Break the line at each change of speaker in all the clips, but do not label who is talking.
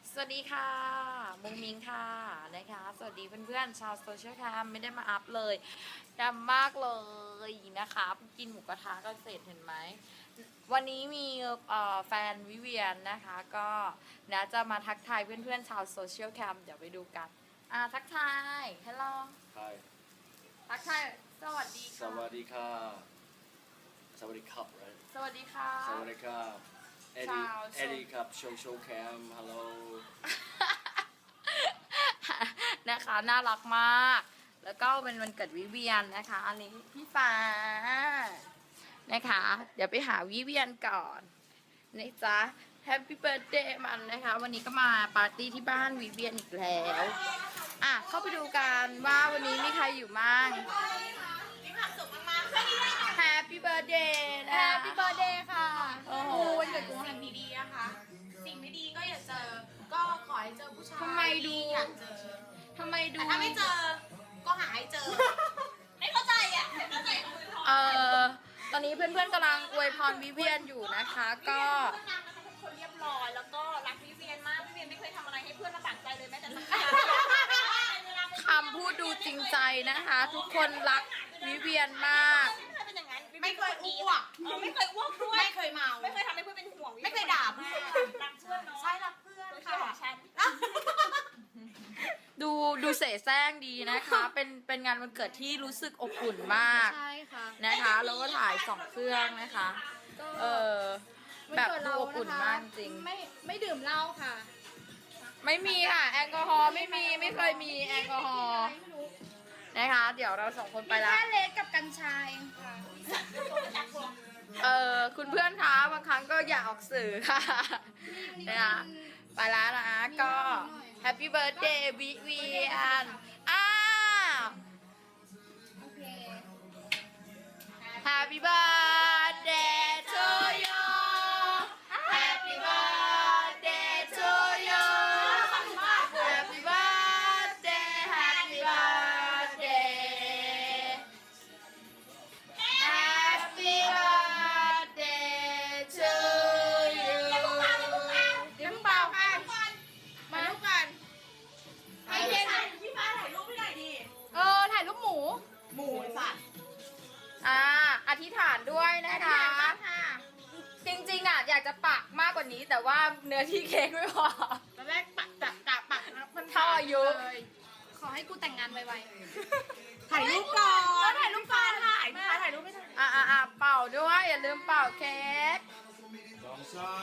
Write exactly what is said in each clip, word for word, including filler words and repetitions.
สวัสดีค่ะมุงมิงค่ะนะคะสวัสดีเพื่อนๆชาวโซเชียลแคมไม่ได้มาอัพเลยดำมากเลยนะคะกินหมูกระทะกันเสร็จเห็นไหมวันนี้มีแฟนวิเวียนนะคะก็นะจะมาทักทายเพื่อนๆชาวโซเชียลแคมเดี๋ยวไปดูกันอ่าทักทายฮัลโหล
Hi
ทักทายสวัสดี
ส
ค่ะ
วัสดีค่ะสวัสดีครับ right
สวัสดีค่ะ
สวัสดีครับเอ็ด
ชา
ดี้
ว
เอ็ดดี้ครับโชว์โชว์แคมฮัลโหล
นะคะน่ารักมาก แล้วก็เป็นวันเกิดวิเวียนนะคะอันนี้พี่ฟ้านะคะ เดี๋ยวไปหาวิเวียนก่อนนะจ๊ะแฮปปี้เบิร์ดเดย์มันนะคะ วันนี้ก็มาปาร์ตี้ที่บ้านวิเวียนอีกแล้วอ่ะเข้าไปดูกันว่าวันนี้มีใครอยู่บ้าง
มีความสุขมากๆค่ะ
แฮปปี้เบิร์ดเดย์นะ
แฮปปี้เบิร์ดเดย์ค่ะ
โอ้โห
วันเกิดกูสิ่งดีๆนะคะ สิ่งไม่ดีก็อย่าเจอ ก็ขอให้เจอผู้ชาย
ทำไมดู
ที่อยากเจอ
ทำไมดู
แต่ถ้าไม่เจอ ก็หาให้เจอ ไม่เข้าใจอ่ะไม่เข้าใจของคุณพ่อ
เอ่อตอนนี้เพื่อนๆกำลังอวยพรวิเวียนอยู่นะคะ ก็
เพื่อนนางนะคะเป็นคนเรียบร้อย แล้วก็รักวิเวียนมากวิเวียนไม่เคยทำอะไรให้เพื่อนลำบากใจเลยแม้แต่สักครั้ง
คำพูดดูจริงใจนะคะ ทุกคนรักวิเวียนมาก
ไม่เคยเป็นอย่างนั้น
ไม่เคยอ้วก
เออไม่เคยอ้วกด้วย
ไม่เคยเมา
ไม่เคยทำให้เพื่อนเป็นห่วง
ไม่เคยด่าเพื่อน
รักเพื่อนเนาะ
ใช่รักเพื่อน
โดยเฉ
ค่ะ
พาะฉัน
ดูดูเสแสร้งดีนะคะ เป็นเป็นงานวันเกิดที่รู้สึกอบอุ่นมาก
ใช่ค่ะ
นะคะ แล้วก็ถ่ายสองเครื่องนะคะ เออแบบดูอบอุ่นมากจริง
ไม่ไม่ดื่มเหล้าค่ะ
ไม่มีค่ะแอลกอฮอล์ไม่มีไม่เคยมีแอลกอฮอล์
ไม่รู้
นะคะ เดี๋ยวเราสองคนไปแล้ว
แค่เลสกับกัญชาเองค่ะ
เออคุณเพื่อนคะบางครั้งก็อย่าออกสื่อค่ะนะคะไปแล้วนะก็แฮปปี้เบิร์ดเดย์วิเวียนอ้าว
โอเค
Happy birthday to you Happy birthday to you Happy birthday Happy birthday Happy birthday to you
เดี๋ยวเพิ่งเป่าค่ะมาลูกกัน
ไอ้เจ๊พี่ฟ้าถ่ายรูปให้หน่อยดิ
เออถ่ายรูปหมู
หมูไอ้สัตว์
อ่าอธิษฐานด้วยนะคะ
ค่ะ
จริงๆอ่ะอยากจะปักมากกว่านี้แต่ว่าเนื้อที่เค้กไม่พอ
ตอนแรกปักจับกะปักนะมัน
เท่าอายุ
เลยขอให้กูแต่งงานไวๆ
ถ่ายรูปก่อน
ถ่ายรูปก่อนถ่ายพี่ฟ้าถ่ายรูปไม่ทัน
อ่าอ่าเป่าด้วยอย่าลืมเป่าเค้ก
สองสอง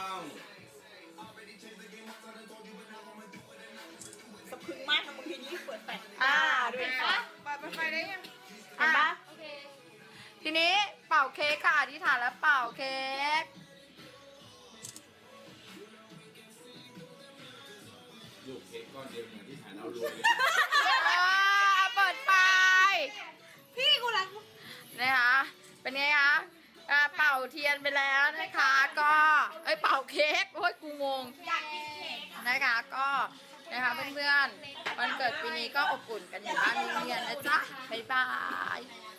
สะพรึงมากนะมึงทีนี้เปิดแฟลช
อ่า
ดู
เห็น
ปะ
ปะ
เปิดไฟได้ยัง
อ่ะ
โอเค
ทีนี้เป่าเค้กค่ะอธิษฐานแล้วเป่าเค้ก
ลูกเค้กก้อนเดียวอย่างที่ฐานเอารวยเลย
อ่าเปิดไฟ
พี่กูรัก
นะคะเป็นไงคะอ่าเป่าเทียนไปแล้วนะคะก็เอ้ยเป่าเค้กโอ้ยกูงง
อยากกินเค้ก
นะคะก็นะคะเพื่อนๆวันเกิดปีนี้ก็อบอุ่นกันอยู่บ้านเรียนนะจ๊ะบ๊ายบาย